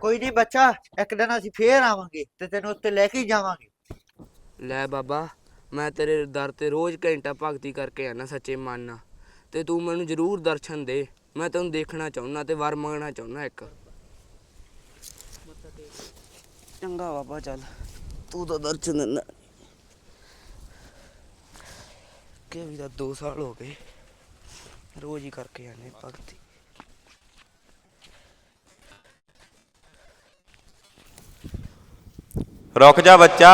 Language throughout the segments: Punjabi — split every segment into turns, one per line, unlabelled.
ਕੋਈ ਨਹੀਂ ਬੱਚਾ, ਇੱਕ ਦਿਨ ਅਸੀਂ ਫੇਰ ਆਵਾਂਗੇ ਤੇ ਤੈਨੂੰ ਉੱਤੇ ਲੈ ਕੇ ਜਾਵਾਂਗੇ।
ਲੈ ਬਾਬਾ, ਮੈਂ ਤੇਰੇ ਦਰ ਤੇ ਰੋਜ਼ ਘੰਟਾ ਭਗਤੀ ਕਰਕੇ ਆਣਾ ਸੱਚੇ ਮਨ ਨਾਲ, ਤੇ ਤੂੰ ਮੈਨੂੰ ਜ਼ਰੂਰ ਦਰਸ਼ਨ ਦੇ। ਮੈਂ ਤੈਨੂੰ ਦੇਖਣਾ ਚਾਹੁੰਦਾ ਤੇ ਵਰ ਮੰਗਣਾ ਚਾਹੁੰਦਾ ਇੱਕ। ਚੰਗਾ ਬਾਬਾ, ਚੱਲ ਤੂੰ ਤਾਂ ਦਰਸ਼ਨ ਦਿੰਦਾ ਕਿ ਵੀ ਤਾਂ 2 ਸਾਲ ਹੋ ਗਏ ਰੋਜ਼ ਹੀ ਕਰਕੇ ਆਨੇ ਭਗਤੀ।
ਰੁਕ ਜਾ ਬੱਚਾ,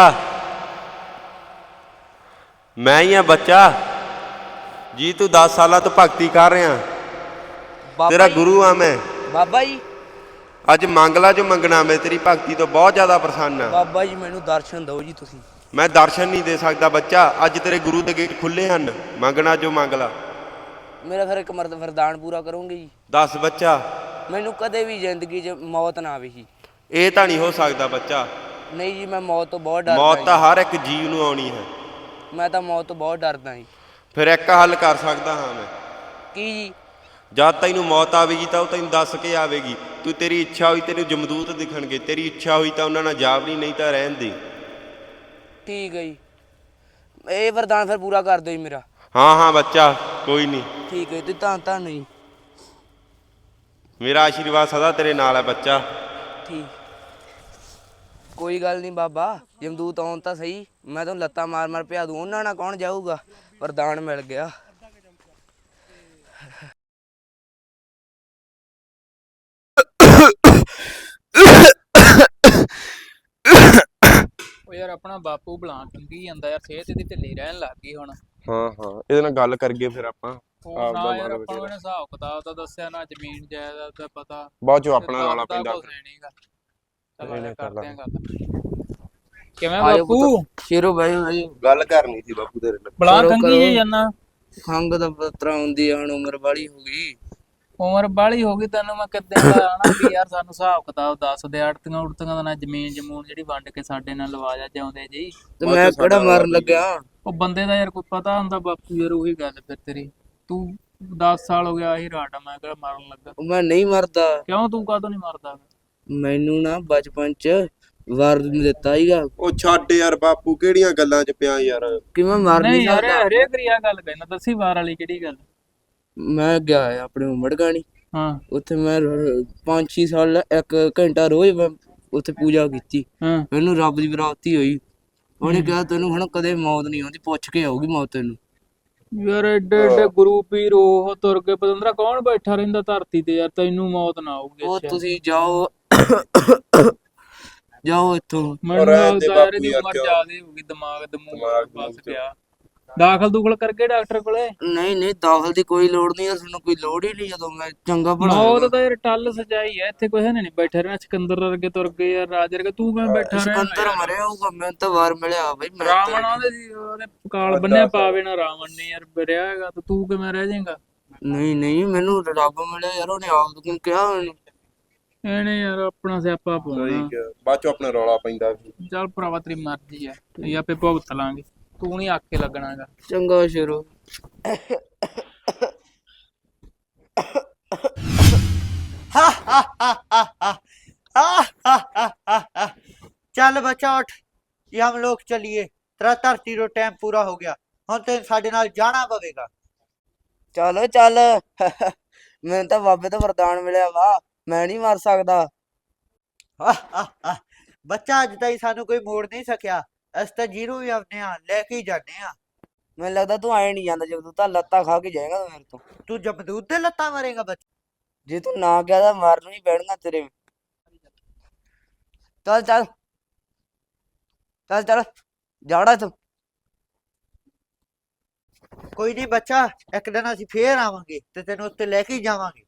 ਮੈਂ ਹੀ ਆ ਬੱਚਾ ਜੀ। ਤੂੰ 10 ਸਾਲਾਂ ਤੋਂ ਭਗਤੀ ਕਰ ਰਿਹਾ, ਤੇਰਾ ਗੁਰੂ ਆ ਮੈਂ।
ਬਾਬਾ ਜੀ
ਅੱਜ ਮੰਗ ਲਾ ਜੋ ਮੰਗਣਾ, ਮੈਂ ਤੇਰੀ ਭਗਤੀ ਤੋਂ ਬਹੁਤ ਜ਼ਿਆਦਾ ਪ੍ਰਸੰਨ ਆ।
ਬਾਬਾ ਜੀ ਮੈਨੂੰ ਦਰਸ਼ਨ ਦਿਓ ਜੀ ਤੁਸੀਂ।
ਮੈਂ ਦਰਸ਼ਨ ਨਹੀਂ ਦੇ ਸਕਦਾ ਬੱਚਾ, ਅੱਜ ਤੇਰੇ ਗੁਰੂ ਦੇ ਗੇਟ ਖੁੱਲੇ ਹਨ, ਮੰਗਣਾ ਜੋ ਮੰਗ ਲਾ।
ਮੇਰਾ ਫਿਰ ਇੱਕ ਮਰਦ ਵਰਦਾਨ ਪੂਰਾ ਕਰੋਗੇ ਜੀ?
ਦੱਸ ਬੱਚਾ।
ਮੈਨੂੰ ਕਦੇ ਵੀ ਜ਼ਿੰਦਗੀ 'ਚ ਮੌਤ ਨਾ ਆਵੇ ਜੀ।
ਇਹ ਤਾਂ ਨਹੀਂ ਹੋ ਸਕਦਾ ਬੱਚਾ।
ਨਹੀਂ ਜੀ, ਮੈਂ ਮੌਤ ਤੋਂ ਬਹੁਤ ਡਰਦਾ।
ਮੌਤ ਤਾਂ ਹਰ ਇੱਕ ਜੀਵ ਨੂੰ ਆਉਣੀ ਹੈ।
ਮੈਂ ਤਾਂ ਮੌਤ ਤੋਂ ਬਹੁਤ ਡਰਦਾ ਜੀ।
ਫਿਰ ਇੱਕ ਹੱਲ ਕਰ ਸਕਦਾ ਹਾਂ ਮੈਂ।
ਕੀ ਜੀ?
ਜਦ ਤੈਨੂੰ ਮੌਤ ਆਵੇਗੀ ਤਾਂ ਉਹ ਤੈਨੂੰ ਦੱਸ ਕੇ ਆਵੇਗੀ। ਤੂੰ ਤੇਰੀ ਇੱਛਾ ਹੋਈ ਤੈਨੂੰ ਜਮਦੂਤ ਦਿਖਣਗੇ, ਤੇਰੀ ਇੱਛਾ ਹੋਈ ਤਾਂ ਉਹਨਾਂ ਨਾਲ ਜਾਵੜੀ, ਨਹੀਂ ਤਾਂ ਰਹਿਣ ਦੇ।
ਠੀਕ ਹੈ ਜੀ, ਇਹ ਵਰਦਾਨ ਫਿਰ ਪੂਰਾ ਕਰ ਦਿਓ ਜੀ ਮੇਰਾ।
ਹਾਂ ਹਾਂ ਬੱਚਾ, ਕੋਈ ਨਹੀਂ।
ਠੀਕ ਹੈ, ਤੇ ਧੰਨ ਜੀ।
ਮੇਰਾ ਆਸ਼ੀਰਵਾਦ ਸਦਾ ਤੇਰੇ ਨਾਲ ਹੈ ਬੱਚਾ।
ਠੀਕ, ਕੋਈ ਗੱਲ ਨਹੀਂ ਬਾਬਾ, ਜਮਦੂਤ ਆਉਣ ਤਾਂ ਸਹੀ, ਮੈਂ ਤੁਹਾਨੂੰ ਲੱਤਾਂ ਮਾਰ ਮਾਰ ਪਿਆ ਦੂੰ, ਉਹਨਾਂ ਨਾਲ ਕੌਣ ਜਾਊਗਾ। ਵਰਦਾਨ ਮਿਲ ਗਿਆ।
ਉਹ ਯਾਰ ਆਪਣਾ ਬਾਪੂ ਬਲਾਂ ਟੰਗੀ ਜਾਂਦਾ ਯਾਰ, ਸਿਹਤ ਇਹਦੀ ਢਿੱਲੀ ਰਹਿਣ ਲੱਗ ਗਈ ਹੁਣ।
ਹਾਂ ਹਾਂ, ਇਹਦੇ ਨਾਲ ਗੱਲ ਕਰੀਏ ਫਿਰ ਆਪਾਂ।
ਉਹ ਨਾ ਯਾਰ ਆਪਾਂ ਨੂੰ ਇਹਨੇ ਹਿਸਾਬ ਕਿਤਾਬ ਦਾ ਦੱਸਿਆ, ਨਾ ਜ਼ਮੀਨ ਜਾਇਦਾਦ ਦਾ ਪਤਾ,
ਬਾਅਦ ਚੋਂ ਆਪਣਾ ਰੌਲਾ ਪੈਂਦਾ।
ਚਲੋ ਕਰਦੇ ਆਂ ਗੱਲ। ਕਿਵੇਂ ਬਾਪੂ?
ਸ਼ੇਰੋ ਬਾਈ
ਗੱਲ ਕਰਨੀ ਸੀ ਬਾਪੂ ਤੇਰੇ ਨਾਲ।
ਬਲਾਂ ਟੰਗੀ ਜੇ ਜਾਨਾ।
ਖੰਗ ਦਾ ਪਤਰਾ ਹੁੰਦੀ ਆ, ਹੁਣ ਉਮਰ ਵਾਲੀ ਹੋ ਗਈ।
ਉਮਰ ਬਾਹਲੀ ਹੋ ਗਈ, ਤੈਨੂੰ ਮੈਂ ਕਿੱਦਾਂ ਦਾ ਆਣਾ ਵੀ ਯਾਰ ਸਾਨੂੰ ਹਿਸਾਬ ਕਿਤਾਬ ਦੱਸ ਦੇ। ਅੜਤੀਆਂ ਉੜਤੀਆਂ ਦਾ ਨਾ ਜ਼ਮੀਨ ਜਮੂਨ ਜਿਹੜੀ ਵੰਡ ਕੇ ਸਾਡੇ ਨਾਲ ਲਵਾ ਜਾ ਜਾਉਂਦੇ ਜੀ।
ਤੇ ਮੈਂ ਕਿਹੜਾ ਮਰਨ ਲੱਗਿਆ?
ਉਹ ਬੰਦੇ ਦਾ ਯਾਰ ਕੋਈ ਪਤਾ ਹੁੰਦਾ ਬਾਪੂ ਯਾਰ, ਉਹੀ ਗੱਲ ਫਿਰ ਤੇਰੀ। ਤੂੰ 10 ਸਾਲ ਹੋ ਗਿਆ ਆਹੀ ਰਾਟ ਆ, ਮੈਂ ਕਿਹੜਾ ਮਰਨ ਲੱਗਾ।
ਮੈਂ ਨਹੀਂ ਮਰਦਾ।
ਕਿਉਂ, ਤੂੰ ਕਾਹਤੋਂ ਨਹੀਂ ਮਰਦਾ?
ਮੈਨੂੰ ਨਾ ਬਚਪਨ ਚ ਵਾਰ ਦਿੱਤਾ ਹੀਗਾ।
ਉਹ ਛੱਡ ਯਾਰ ਬਾਪੂ, ਕਿਹੜੀਆਂ ਗੱਲਾਂ 'ਚ ਪਿਆ ਯਾਰ।
ਕਿ ਮੈਂ ਮਰ ਨਹੀਂ
ਯਾਰ,
ਸਕਦਾ।
ਹਰੇਕ ਰੀਆ ਗੱਲ ਕਹਿਣਾ, ਦੱਸੀ ਵਾਰ ਵਾਲੀ ਕਿਹੜੀ ਗੱਲ?
ਮੈਂ ਗਿਆ ਆਪਣੇ ਉਮੜ ਗਾਣੀ,
ਹਾਂ
ਉੱਥੇ ਮੈਂ 5-6 ਸਾਲ 1 ਘੰਟਾ ਰੋਜ਼ ਮੈਂ ਉੱਥੇ ਪੂਜਾ ਕੀਤੀ।
ਹਾਂ,
ਮੈਨੂੰ ਰੱਬ ਦੀ ਪ੍ਰਾਪਤੀ ਹੋਈ। ਉਹਨੇ ਕਿਹਾ ਤੈਨੂੰ ਹੁਣ ਕਦੇ ਮੌਤ ਨਹੀਂ ਆਉਂਦੀ, ਪੁੱਛ ਕੇ ਆਊਗੀ ਮੌਤ ਤੈਨੂੰ।
ਯਾਰ ਏਡੇ ਏਡੇ ਗੁਰੂ ਪੀਰ ਉਹ ਤੁਰ ਕੇ ਪਤੰਦਰਾ ਕੌਣ ਬੈਠਾ ਰਹਿੰਦਾ ਧਰਤੀ ਤੇ ਯਾਰ, ਤੈਨੂੰ ਮੌਤ ਨਾ ਆਊਗੀ।
ਉਹ ਤੁਸੀਂ ਜਾਓ ਜਾਓ ਇੱਥੋਂ।
ਮੈਨੂੰ ਲੱਗਦਾ ਯਾਰ ਇਹਦੀ ਉਮਰ ਜ਼ਿਆਦੇ ਹੋ ਗਈ, ਦਿਮਾਗ ਬਸ ਗਿਆ। ਦਾਖਲ ਦੂਖਲ ਕਰਕੇ ਡਾਕਟਰ ਕੋਲੇ?
ਨਹੀਂ ਨਹੀਂ, ਦਾਖਲ ਦੀ ਕੋਈ ਲੋੜ ਨਹੀਂ, ਸਾਨੂੰ ਕੋਈ ਲੋੜ ਹੀ ਨਹੀਂ। ਜਦੋਂ ਮੈਂ ਚੰਗਾ ਭਲਾ
ਮੌਤ ਤਾਂ ਯਾਰ ਟੱਲ ਸਜਾਈ ਐ, ਇੱਥੇ ਕੋਈ ਨਹੀਂ ਬੈਠਾ ਰਹਿਣਾ। ਸਿਕੰਦਰ ਵਰਗੇ ਤੁਰ ਗਏ ਯਾਰ, ਰਾਜ ਵਰਗੇ, ਤੂੰ ਕਿਵੇਂ ਬੈਠਾ ਰਹਿਣਾ?
ਸਿਕੰਦਰ ਮਰਿਆ ਹੋਊਗਾ, ਮੈਨੂੰ ਤਾਂ ਵਾਰ ਮਿਲਿਆ ਬਈ।
ਰਾਵਣ ਆਉਂਦੇ ਸੀ, ਉਹਨੇ ਕਾਲ ਬੰਨਿਆ ਪਾਵੇ ਨਾ ਰਾਵਣ ਨੇ ਯਾਰ ਰਿਹਾ ਹੈਗਾ, ਤੇ ਤੂੰ ਕਿਵੇਂ ਰਹਿ ਜਾਏਗਾ?
ਨਹੀਂ ਨਹੀਂ, ਮੈਨੂੰ ਰੱਬ ਮਿਲਿਆ ਯਾਰ, ਉਹਨੇ ਆਪ ਨੂੰ ਕਿਹਾ ਮੈਨੂੰ।
ਇਹਨੇ ਯਾਰ ਆਪਣਾ ਸਿਆਪਾ ਪਾਉਣਾ।
ਬਾਅਦ ਚੋਂ ਆਪਣਾ ਰੌਲਾ ਪੈਂਦਾ।
ਚੱਲ ਭਰਾਵਾ ਤੇਰੀ ਮਰਜ਼ੀ ਐ, ਇਹ ਆਪੇ ਭੁਗਤ ਲਾਂਗੇ, ਤੂੰ ਨਹੀਂ ਆਕੇ ਲੱਗਣਾ ਹੈਗਾ।
ਚੰਗਾ ਸ਼ੇਰੋ।
ਚੱਲ ਬੱਚਾ ਉੱਠ, ये हम लोग चलिए। तेरा धरती रो टाइम पूरा हो गया, ਹੁਣ ਤੇ ਸਾਡੇ ਨਾਲ ਜਾਣਾ ਪਵੇਗਾ।
ਚਲੋ ਚੱਲ। ਮੈਨੂੰ ਤਾਂ ਬਾਬੇ ਤੋਂ ਵਰਦਾਨ ਮਿਲਿਆ ਵਾ, ਮੈਂ ਨਹੀਂ ਮਰ ਸਕਦਾ।
ਬੱਚਾ ਅੱਜ ਤਾਈਂ ਸਾਨੂੰ ਕੋਈ ਮੋੜ ਨਹੀਂ ਸਕਿਆ, ਅਸੀਂ ਤਾਂ ਜੀਰੋ ਵੀ ਆਉਂਦੇ ਆ, ਲੈ ਕੇ ਹੀ ਜਾਂਦੇ ਆ।
ਮੈਨੂੰ ਲੱਗਦਾ ਤੂੰ ਆਏ ਨਹੀਂ ਜਾਂਦਾ, ਜਦੋਂ ਤਾਂ ਲੱਤਾਂ ਖਾ ਕੇ ਜਾਏਗਾ ਮੇਰੇ ਤੋਂ।
ਤੂੰ ਜਮਦੂਤ ਦੇ ਲੱਤਾਂ ਮਾਰੇਗਾ ਬੱਚਾ?
ਜੇ ਤੂੰ ਨਾ ਗਿਆ ਤਾਂ ਮਰਨ ਹੀ ਪੈਣਗਾ ਤੇਰੇ। ਚੱਲ ਚੱਲ ਚੱਲ ਚੱਲ, ਜਾੜਾ ਤੂੰ।
ਕੋਈ ਨਹੀਂ ਬੱਚਾ, ਇੱਕ ਦਿਨ ਅਸੀਂ ਫੇਰ ਆਵਾਂਗੇ ਤੇ ਤੈਨੂੰ ਉੱਤੇ ਲੈ ਕੇ ਹੀ ਜਾਵਾਂਗੇ।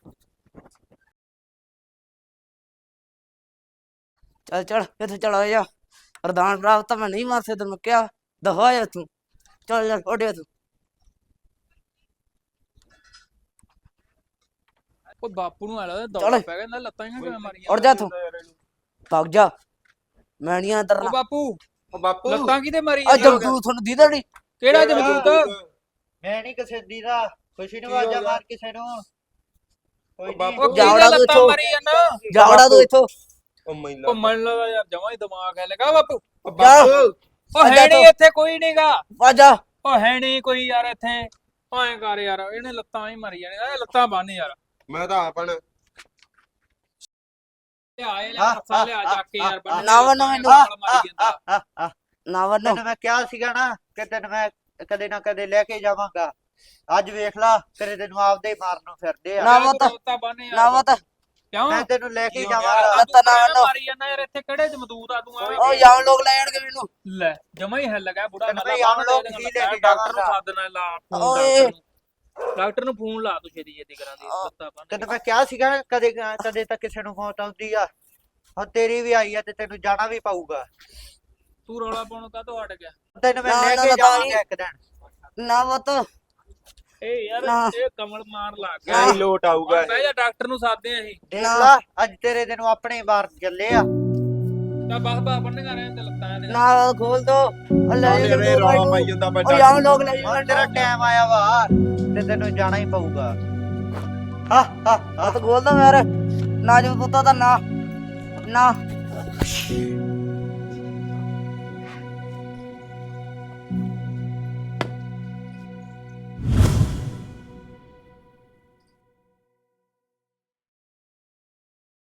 ਚੱਲ ਚੱਲ ਇੱਥੇ ਚਲਾ ਜਾ, ਵਰਦਾਨ ਪ੍ਰਾਪਤ ਤਾਂ ਮੈਂ ਨਹੀਂ ਮਾਰ ਸਕਦਾ, ਮੈਂ ਕਿਹਾ ਦਫਾ ਜਾ ਤੂੰ। ਚੱਲ ਚੱਲ ਉੱਡਿਆ ਤੂੰ।
ਉਹ ਬਾਪੂ ਨੂੰ ਆਲਾ ਦੌੜਾ ਪੈ ਗਿਆ, ਲੱਤਾਂ ਹੀ ਕਿਵੇਂ ਮਾਰੀਆਂ?
ਉੱਡ ਜਾ ਤੂੰ, ਭੱਗ ਜਾ। ਮੈਂ ਨਹੀਂ ਅੰਦਰ।
ਉਹ ਬਾਪੂ,
ਉਹ ਬਾਪੂ
ਲੱਤਾਂ ਕਿਤੇ ਮਾਰੀ
ਆ ਜਮਦੂਤ ਤੁਹਾਨੂੰ ਦੀਦਾ ਨਹੀਂ?
ਕਿਹੜਾ ਜਮਦੂਤ?
ਮੈਂ ਨਹੀਂ ਕਿਸੇ ਦੀ ਦਾ, ਖੁਸ਼ੀ ਨੂੰ ਆਵਾਜ਼ਾਂ ਮਾਰ ਕਿਸੇ ਨੂੰ। ਕੋਈ
ਬਾਪੂ,
ਨਹੀਂ,
ਉਹ ਕਿਹਦਾ ਲੱਤਾਂ ਮਾਰੀ ਜਾਂਦਾ?
ਜਾਵੜਾ ਤੂੰ ਇੱਥੋਂ।
ਉਹ ਮੈਨੂੰ
ਘੁੰਮਣ ਲਗਾ ਯਾਰ ਜਮਾਂ ਹੀ ਦਿਮਾਗ ਹੈ ਲਗਾ ਬਾਪੂ
ਬਾਪੂ
ਉਹ ਹੈ ਨਹੀਂ ਇੱਥੇ ਕੋਈ ਨਹੀਂਗਾ
ਆਜਾ
ਉਹ ਹੈ ਨਹੀਂ ਕੋਈ ਯਾਰ ਇੱਥੇ ਐਂ ਕਰ ਯਾਰ ਇਹਨੇ ਲੱਤਾਂ ਹੀ ਮਰੀ ਜਾਣੇ ਲੱਤਾਂ ਬੰਨ ਯਾਰ
ਮੈਂ ਤਾਂ ਆਪਣ
ਲਿਆ ਇਹ ਲੈ ਰੱਸਾ ਲਿਆ ਚੱਕ ਕੇ ਯਾਰ ਬੰਨ
ਨਾ ਵੰਨੋ ਮੈਨੂੰ।
ਮਾਰੀ ਜਾਂਦਾ
ਨਾ ਵੰਨੋ
ਤੈਨੂੰ ਮੈਂ ਕਿਹਾ ਸੀਗਾ ਨਾ ਕਿ ਤੈਨੂੰ ਮੈਂ ਕਦੇ ਨਾ ਕਦੇ ਲੈ ਕੇ ਜਾਵਾਂਗਾ। ਅੱਜ ਵੇਖ ਲਾ ਤੇਰੇ ਤੈਨੂੰ ਆਪਦੇ ਹੀ ਮਾਰਨ ਨੂੰ ਫਿਰਦੇ ਆ।
ਨਾ ਵਤ
ਲੱਤਾਂ ਬੰਨ ਯਾਰ
ਨਾ ਵਤ
ਕਿਉਂ
ਮੈਂ ਤੈਨੂੰ ਲੈ ਕੇ
ਯਾਰ
ਜਾਵਾਂਗਾ।
ਲੱਤਾਂ ਨਾ ਵੰਨੋ।
ਮਾਰੀ ਜਾਂਦਾ ਯਾਰ ਇੱਥੇ ਕਿਹੜੇ ਜਮਦੂਤ ਆ ਤੂੰ
ਉਹ ਯਾਮ ਲੋਕ ਲੈ ਜਾਣਗੇ ਮੈਨੂੰ।
ਲੈ ਜਮਾ ਹੀ ਹਿੱਲ ਗਿਆ ਬੁੜਾ
ਤੈਨੂੰ ਬਈ ਆਮ ਲੋਕ ਹੀ ਲੈ ਕੇ
ਡਾਕਟਰ ਨੂੰ
ਜਾਵਾਂਗਾ।
ਸੱਦਣਾ ਲਾ
ਓਏ।
ਡਾਕਟਰ ਨੂੰ ਫੋਨ ਲਾ ਤੂੰ ਛੇਤੀ ਛੇਤੀ ਕਰਾਂ ਦੀ ਲੱਤਾਂ ਬੰਨ
ਤੈਨੂੰ ਮੈਂ ਕਿਹਾ ਸੀਗਾ ਨਾ ਕਦੇ ਤਾਂ ਕਿਸੇ ਨੂੰ ਮੌਤ ਆਉਂਦੀ ਆ। ਹੁਣ ਤੇਰੀ ਵੀ ਆਈ ਆ ਤੇ ਤੈਨੂੰ ਜਾਣਾ ਵੀ ਪਊਗਾ।
ਤੂੰ ਰੌਲਾ ਪਾਉਣ ਕਾਹਤੋਂ ਹਟ ਗਿਆ
ਤੈਨੂੰ ਮੈਂ
ਨਾ,
ਲੈ
ਨਾ,
ਕੇ
ਨਾ,
ਜਾਵਾਂਗਾ ਇੱਕ ਦਿਨ।
ਨਾ ਵਤ
ਇਹ ਯਾਰ
ਨਾ।
ਇਹ ਕਮਲ ਮਾਰ ਲੱਗ
ਕਿਆ
ਗਿਆ
ਹੀ ਲੋਟ ਆਊਗਾ
ਹੁਣ ਬਹਿ ਜਾ ਡਾਕਟਰ ਨੂੰ ਸਾਦੇ ਅਸੀਂ
ਦੇਖ
ਨਾ।
ਲਾ ਅੱਜ ਤੇਰੇ ਤੈਨੂੰ ਆਪਣੇ ਬਾਹਰ ਚੱਲੇ ਆ।
ਤਾਂ ਬਸ ਬੰਨਗਾ ਰਹੇ ਤੇ ਲੱਤਾਂ ਦੇ
ਨਾ ਖੋਲ ਦੋ ਉਹ ਲੈ
ਉਹਨੇ
ਜਾਣਗੇ
ਰੌਲਾ
ਮੈਨੂੰ।
ਪਾਈ ਜਾਂਦਾ
ਉਹ
ਵੱਡਾ
ਯਾਮ ਲੋਕ ਲੈ
ਹੁਣ
ਜਾਣਗੇ
ਤੇਰਾ ਟਾਈਮ ਆਇਆ ਵਾ ਤੇ ਤੈਨੂੰ ਜਾਣਾ ਹੀ ਪਊਗਾ। ਹਾ ਹਾ
ਹੱਥ ਖੋਲ ਦੋ ਯਾਰ ਨਾ ਜੋ ਪੁੱਤਾ ਤਾਂ ਨਾ